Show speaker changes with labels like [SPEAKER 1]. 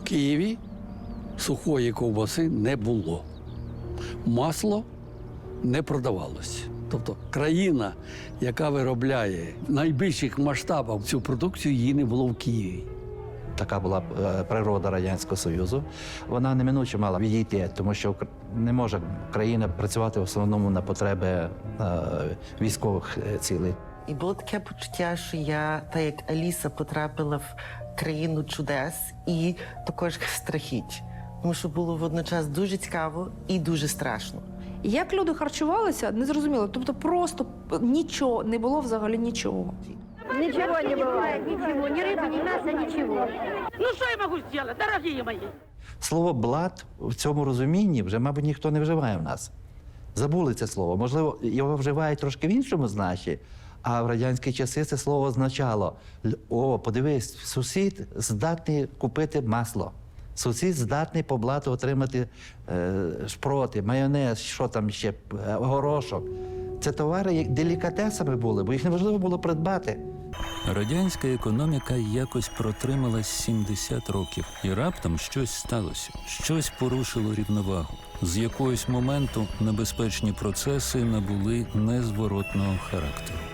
[SPEAKER 1] Києві сухої ковбаси не було. Масло не продавалось. Тобто країна, яка виробляє в найбільших масштабах цю продукцію, її не було в Києві.
[SPEAKER 2] Така була природа Радянського Союзу. Вона неминуче мала відійти, тому що не може країна працювати в основному на потреби військових цілей.
[SPEAKER 3] І було таке почуття, що я, так як Аліса, потрапила в країну чудес і також страхіть. Тому що було водночас дуже цікаво і дуже страшно.
[SPEAKER 4] Як люди харчувалися, не зрозуміло. Тобто просто нічого, не було взагалі нічого.
[SPEAKER 5] Ничего не бывает, ничего, ни рыбы, ни мяса, ничего.
[SPEAKER 6] Ну что я могу сделать, дорогие мои?
[SPEAKER 2] Слово «блат» в цьому розумінні вже, мабуть, ніхто не вживає в нас. Забули це слово. Можливо, його вживають трошки в іншому значенні, а в радянські часи це слово означало: «О, подивись, сусід здатний купити масло. Сусід здатний по блату отримати шпроти, майонез, що там ще, горошок». Це товари делікатесами були, бо їх неможливо було придбати.
[SPEAKER 7] Радянська економіка якось протрималась 70 років. І раптом щось сталося. Щось порушило рівновагу. З якогось моменту небезпечні процеси набули незворотного характеру.